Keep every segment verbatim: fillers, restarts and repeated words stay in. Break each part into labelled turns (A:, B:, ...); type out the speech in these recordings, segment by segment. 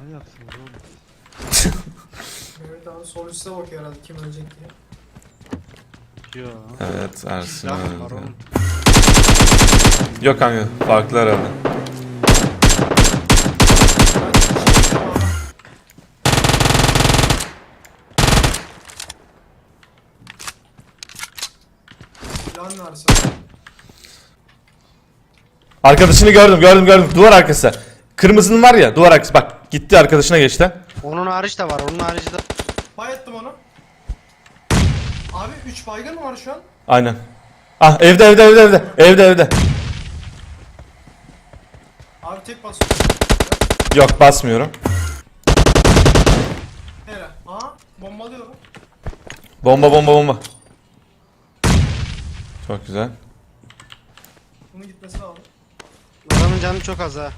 A: Manyaksınız oğlum.
B: Evet abi sol üstte bakıyor herhalde kim ölecek diye.
A: Yo.
C: Evet Ersin
A: Silah var
C: öldü.
A: oğlum.
C: Yok kanka farklı herhalde.
B: Silahın varsa.
C: Arkadaşını gördüm gördüm gördüm duvar arkası. Kırmızının var ya duvar arkası bak gitti arkadaşına geçti.
D: Onun hariç de var. Onun harici de.
B: Bayettim onu. Abi üç baygın mı var şu an?
C: Aynen. Ah evde evde evde evde evde evde.
B: Abi tek basıyor.
C: Yok basmıyorum.
B: Hele. Aha bombalıyorum.
C: Bomba bomba bomba. Çok güzel.
B: Bunun gitmesi lazım.
D: Adamın canı çok az ha.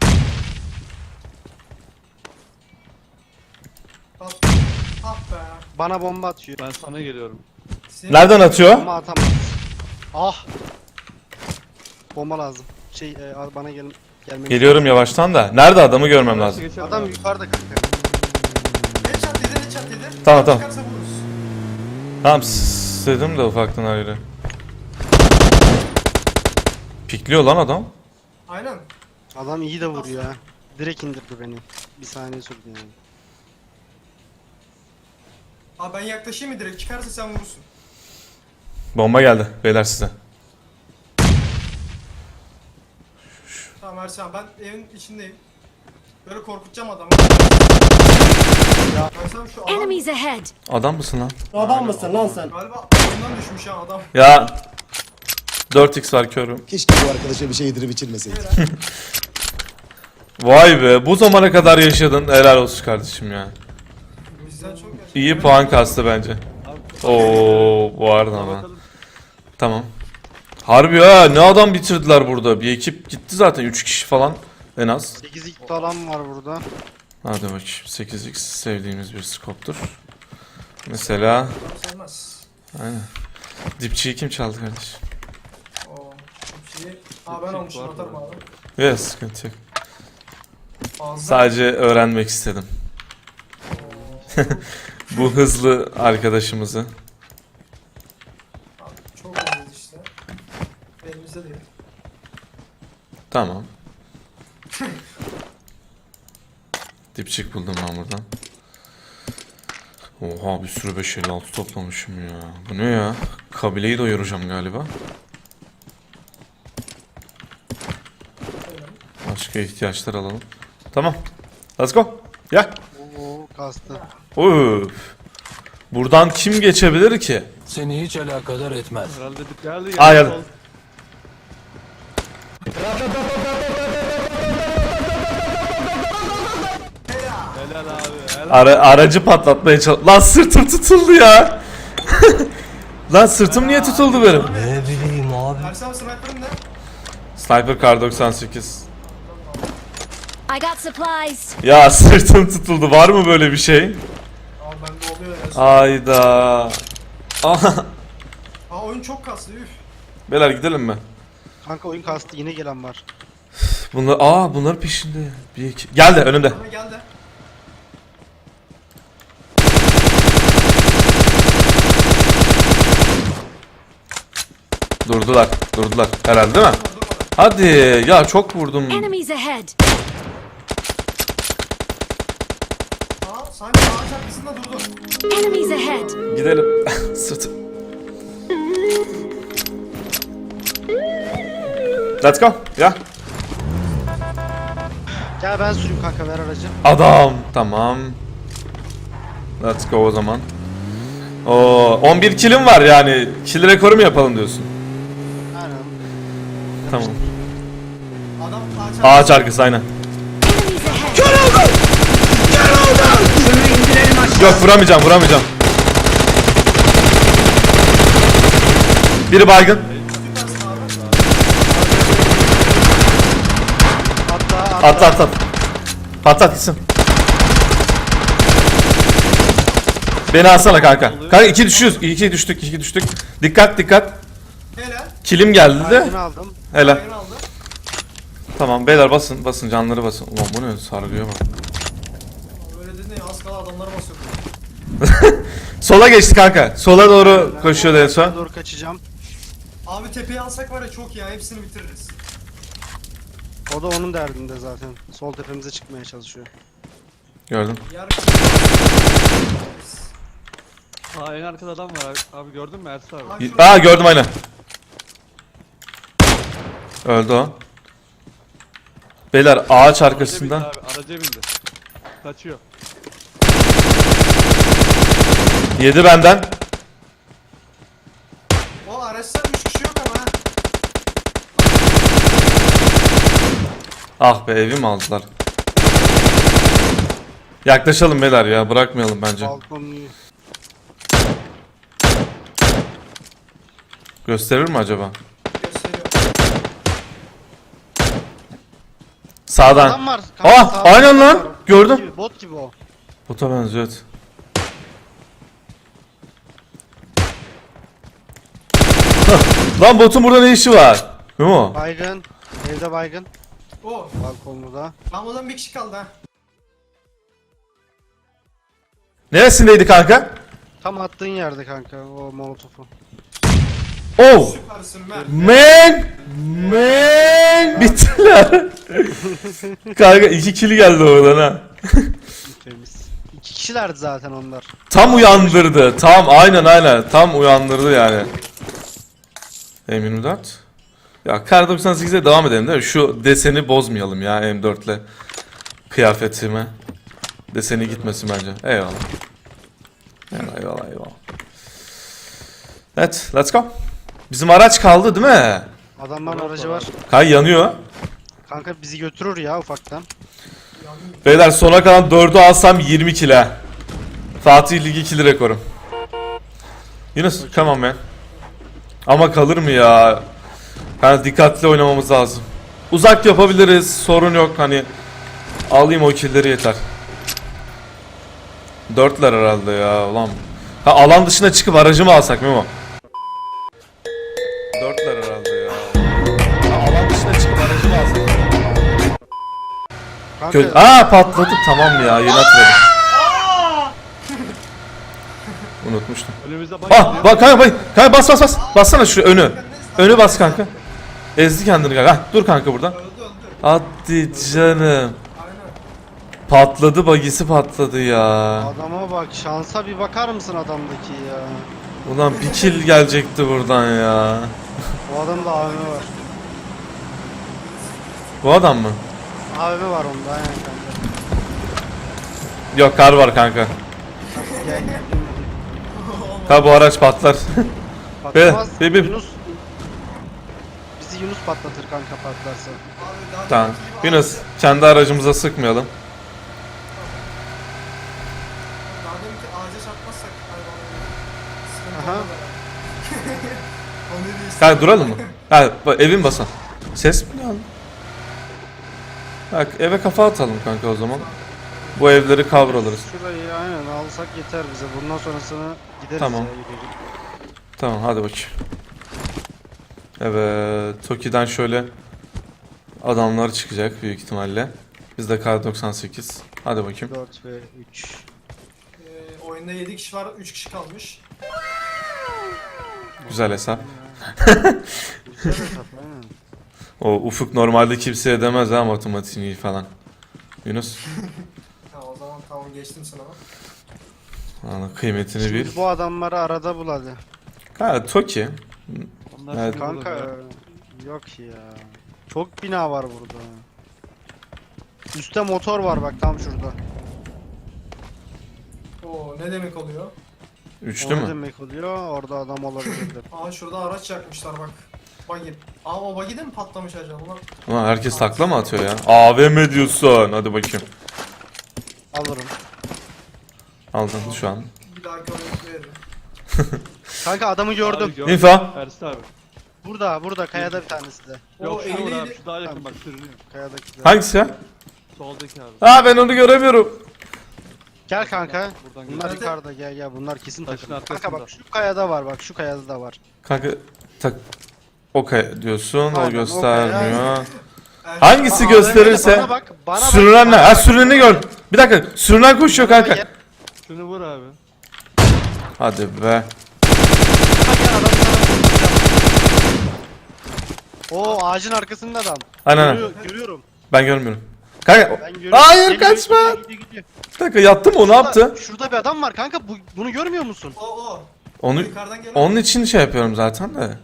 B: Bak. Ah be.
D: Bana bomba atıyor.
A: Ben sana geliyorum.
B: Senin
C: Nereden atıyor?
D: Bomba atamaz. Ah. Bomba lazım. Şey e, al bana gelin. Gelmemiz
C: Geliyorum yavaştan da. Nerede adamı görmem lazım.
A: Geçelim
D: Adam
A: abi.
D: yukarıda kanka.
B: Headshot dedi headshot dedi.
C: Tamam, tamam.
B: Çıkarsa vururuz.
C: Tamam istedim de ufaktan ayrı. Pikliyor lan adam.
B: Aynen.
D: Adam iyi de vuruyor ha. Direkt indirdi beni. Bir saniye sürdü yani.
B: Abi ben yaklaşayım mı direkt? Çıkarsa sen vurursun.
C: Bomba geldi beyler size.
B: Tamam Ersan ben evin içindeyim. Böyle korkutacağım adamı. Ya Ersan şu adam
E: Enemies ahead!
C: Adam mısın lan?
F: Adam mısın lan sen?
B: galiba oyundan düşmüş ha adam.
C: Ya dört x var körüm.
F: Keşke bu arkadaşa bir şey yedirip içirmeseydik.
C: Vay be bu zamana kadar yaşadın helal olsun kardeşim ya.
B: Bizden çok yaşlı.
C: İyi puan kastı bence. Oo bu arada ama.
A: Bakalım.
C: Tamam. Harbi ha ne adam bitirdiler burada. Bir ekip gitti zaten üç kişi falan en az.
D: sekiz x falan var burada.
C: Hadi bakayım sekiz x sevdiğimiz bir skoptur. Mesela
B: Adam sevmez.
C: aynen. Dipçiyi kim çaldı kardeş?
B: Oo. Çok iyi. Aa ben almışım
A: var
B: atarım
A: mı?
B: abi.
C: Yes sıkıntı yok.
B: Fazla.
C: Sadece öğrenmek istedim. Bu hızlı arkadaşımızı.
B: Abi, çok iyiyiz işte. Elimizde değil.
C: Tamam. Dipçik buldum ben buradan. Oha bir sürü beş elli altı toplamışım ya. Bu ne ya? Kabileyi doyuracağım galiba. Başka ihtiyaçlar alalım. Tamam. Let's go. Gel.
D: Oo kastı.
C: Üf. Buradan kim geçebilir ki?
G: Seni hiç alakadar etmez.
A: Herhalde bir geldi.
C: Aa,
A: geldi.
C: geldi.
A: Helal abi. Helal.
C: Ara, aracı patlatmaya çalış... Lan sırtım tutuldu ya. Lan sırtım niye tutuldu benim?
G: Ne bileyim abi.
B: Ersan sniper'ın ne?
C: Sniper Kar doksan sekiz.
E: I got supplies!
C: Ya sırtım tutuldu. Var mı böyle bir şey?
B: Abi bende oluyor ya.
C: Ayda. Aha.
B: Aa oyun çok kaslı üf.
C: Beyler gidelim mi?
D: Kanka oyun kastı yine gelen var.
C: Bunlar aa bunlar peşinde. Bir iki. Geldi önümde.
B: Ama geldi.
C: Durdular. Durdular. Herhalde değil mi?
B: Dur durmadı.
C: Hadi ya çok vurdum.
E: Enemies ahead!
B: Aa sanki ağaç arkasında durdu.
E: Enemies ahead!
C: Gidelim. Sırtım. Let's go. Ya.
D: Gel ben süreyim kanka ver aracı.
C: Adam. Tamam. Let's go o zaman. Oo, on bir killim var yani. Kill rekoru mu yapalım diyorsun?
D: Aynen.
C: Tamam.
B: Adam ağaç
C: Ağaç arkası aynen.
E: Enemies ahead!
C: Yok vuramayacağım vuramayacağım. Biri baygın.
D: Hatta hatta.
C: At at at. Patlat gitsin. Beni alsana kanka. Kanka iki düşüyoruz. İki düştük iki düştük. Dikkat dikkat.
B: Helal.
C: Kilim geldi de.
D: Baygını aldım.
C: Helal.
B: Baygın aldı.
C: Tamam beyler basın basın canları basın. Ulan bu ne sargıya bak.
B: Öyle dedin ya az kala adamlara basıyor.
C: Sola geçti kanka. Sola doğru koşuyordu en son.
D: Doğru kaçacağım.
B: Abi tepeyi alsak var ya çok ya hepsini bitiririz.
D: O da onun derdinde zaten. Sol tepemize çıkmaya çalışıyor.
C: Gördüm.
B: Yer
A: Aa en arkada adam var abi, abi gördün mü Ersin abi?
B: Abi,
C: Aa gördüm aynen. Öldü o. Beyler ağaç
A: Araca
C: arkasından.
A: bindi abi, araca bindi. Kaçıyor.
C: Yedi benden.
B: o araçta üç kişi yok ama ha.
C: Ah be evimi aldılar. Yaklaşalım beyler ya, bırakmayalım bence.
D: Balkon
C: Gösterir mi acaba?
B: Gösteriyor.
C: Sağdan.
D: adam var. Kanka,
C: Ah
D: sağda
C: aynen
D: adam
C: lan.
D: var.
C: Gördüm.
D: Bot gibi, bot gibi o.
C: Bota benziyor evet. Hah, lan botun burada ne işi var? Memo.
D: Baygın. Evde baygın.
B: O.
D: Balkonlu da.
B: Lambada bir kişi kaldı ha.
C: Neresindeydi kanka?
D: Tam attığın yerde kanka o molotofu.
C: Oh.
B: Süpersin Mert.
C: Man. Man. Bittiler. Kanka iki kili geldi oradan ha.
D: Temiz. İki kişilerdi zaten onlar.
C: Tam uyandırdı. Tam aynen aynen. Tam uyandırdı yani. M yirmi dört. Ya Kar doksan sekize devam edelim değil mi? Şu deseni bozmayalım ya M dört ile kıyafetime. Deseni gitmesin bence. Eyvallah. Eyvallah eyvallah eyvallah. Evet let's go. Bizim araç kaldı değil mi?
D: Adamların aracı var.
C: Kay yanıyor.
D: Kanka bizi götürür ya ufaktan.
C: Beyler sona kalan dördü alsam yirmi kilo. Fatih Ligi ikili rekorum. Yunus come on man. Ama kalır mı ya? Yani dikkatli oynamamız lazım. Uzak yapabiliriz, sorun yok hani. Alayım o killleri yeter. Dörtler herhalde ya ulan. Ha alan dışına çıkıp aracımı alsak Memo. Dörtler herhalde ya. Ha alan dışına çıkıp aracımı alsak.
D: Kanka
C: Kö Aa patladık tamam ya yeni hatırladım. Unutmuştum.
A: Önümüzde bak
C: Ah bak kanka bak kanka bas bas bas. Bassana şu önü. Önü bas kanka. Ezdi kendini kanka. Hah, dur kanka buradan.
B: Öldü öldü.
C: Hadi canım.
B: Aynen.
C: Patladı bagisi patladı ya.
D: adama bak şansa bir bakar mısın adamdaki ya.
C: Ulan bir kill gelecekti buradan ya.
D: O adamda A V M var.
C: Bu adam mı?
D: A V M var onda aynen kanka.
C: Yok kar var kanka.
D: Gel gel.
C: Ha bu araç patlar.
D: Patlamaz.
C: Be- be- be-
D: Yunus. Bizi Yunus patlatır kanka patlarsa.
B: Abi daha
C: Tamam.
B: deminki gibi
C: Yunus
B: abi-
C: kendi aracımıza sıkmayalım.
B: Daha deminki ağaca çarpmazsak hayvan. Sıkıntı
D: Aha.
B: olmadı ya. O ne diyorsun?
C: Kanka duralım mı? Ha bak, evin basan. Ses mi geldi? Bak eve kafa atalım kanka o zaman. Bu evleri kavralırız.
D: Şurayı aynen alsak yeter bize. Bundan sonrasını gideriz
C: Tamam.
D: ya gidelim.
C: Tamam hadi bakayım. Evet Toki'den şöyle adamlar çıkacak büyük ihtimalle. Bizde Kar doksan sekiz. Hadi bakayım.
D: dört ve üç.
B: Ee, oyunda yedi kişi var, üç kişi kalmış.
C: Güzel hesap.
D: Güzel hesap aynen.
C: O Ufuk normalde kimseye demez ha matematiğini falan. Yunus.
B: Ha o zaman tamam geçtim sınavı.
C: Ana kıymetini bil.
D: Şimdi bu adamları arada bul hadi.
C: Ha Toki.
A: Onlar
C: Evet.
A: şimdi
D: Kanka
A: burada.
D: yok ya. Çok bina var burada. Üste motor var bak tam şurada.
B: Oo ne demek oluyor?
C: Üçlü
D: O ne
C: mü?
D: demek oluyor? Orada adam olabilir.
B: Aa şurada araç yakmışlar bak. Buggy. Aa o buggy de mi patlamış acaba? Ulan
C: Ulan herkes takla mı atıyor ya? A V M diyorsun. Hadi bakayım.
D: Alırım.
C: Aldın şu an.
B: bir dahaki oyunu veririm.
D: Kanka adamı gördüm.
A: Abi, gördüm.
C: Info.
A: Ersin abi.
D: Burada burada kayada bir tanesi de.
A: Yok
B: O
A: şu var abi
B: eğleyle-
A: şu daha yakın bak sürünüyor.
D: Kayadaki de.
C: Hangisi ya?
A: Soldaki abi.
C: Aa ben onu göremiyorum.
D: Gel kanka.
A: Buradan
D: Bunlar
B: gel.
D: yukarıda gel gel bunlar kesin
A: Taşın
D: takım. Kanka
A: arkasında.
D: bak şu kayada var bak şu kayada da var.
C: Kanka tak. Okay diyorsun. O
D: Aynen,
C: göstermiyor. Hangisi
D: Aa,
C: gösterirse
D: bana bak, bana bak,
C: sürünen ne?
D: bana
C: Ha
D: bak.
C: sürüneni gör. Bir dakika. Sürünen koşuyor
D: Yanıma
C: kanka.
D: gel,
A: Şunu vur abi.
C: Hadi be.
D: yanıma gel, adamı sana vuracağım. Oo, ağacın arkasında adam.
C: Aynen.
D: Görüyor- görüyorum.
C: Ben görmüyorum. Kanka.
D: Ben görüyorum.
C: Hayır
D: Geliyor,
C: kaçma.
D: gidiyor, gidiyor, gidiyor.
C: Bir dakika yattı mı o ne yaptı?
D: Şurada- Şurada bir adam var kanka. Bu, bunu görmüyor musun?
B: O o.
C: Onu
B: Yukarıdan gelen.
C: onun için şey yapıyorum zaten de.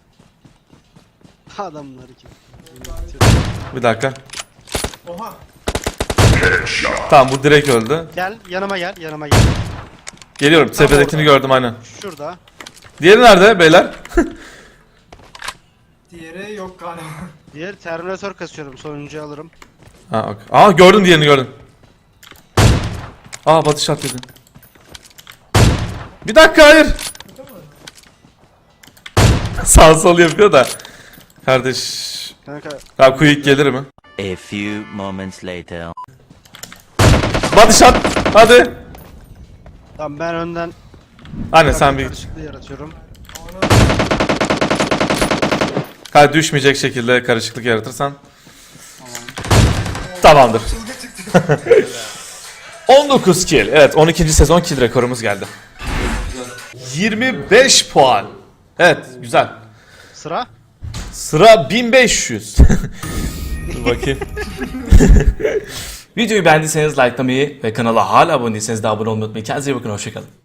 D: Adamlar ki.
C: Bir dakika.
B: Oha.
C: Tamam bu direkt öldü.
D: Gel yanıma gel, yanıma gel.
C: Geliyorum. Tepedekini
D: orada.
C: gördüm aynen.
D: Şurada.
C: Diğeri nerede beyler?
B: Diğeri yok galiba.
D: Diğer Terminator kasıyorum. Sonuncuyu alırım.
C: Ha ok. Aa gördüm diğerini gördüm. Aa batış at dedin. Bir dakika hayır. Sağ sol yapıyor da. Kardeş.
D: Kanka
C: Ya quick gelir mi?
H: A few moments later.
C: Batış at. Hadi.
D: tamam, ben önden
C: Anne sen bir git.
D: karışıklığı yaratıyorum.
C: Hadi düşmeyecek şekilde karışıklık yaratırsan. Tamamdır. on dokuz kill. Evet on ikinci sezon kill rekorumuz geldi. yirmi beş puan. Evet güzel.
D: Sıra.
C: Sıra bin beş yüz. Dur bakayım. Videoyu beğendiyseniz likelamayı ve kanala hala abone değilseniz de abone olmayı unutmayın. Kendinize iyi bakın, hoşçakalın.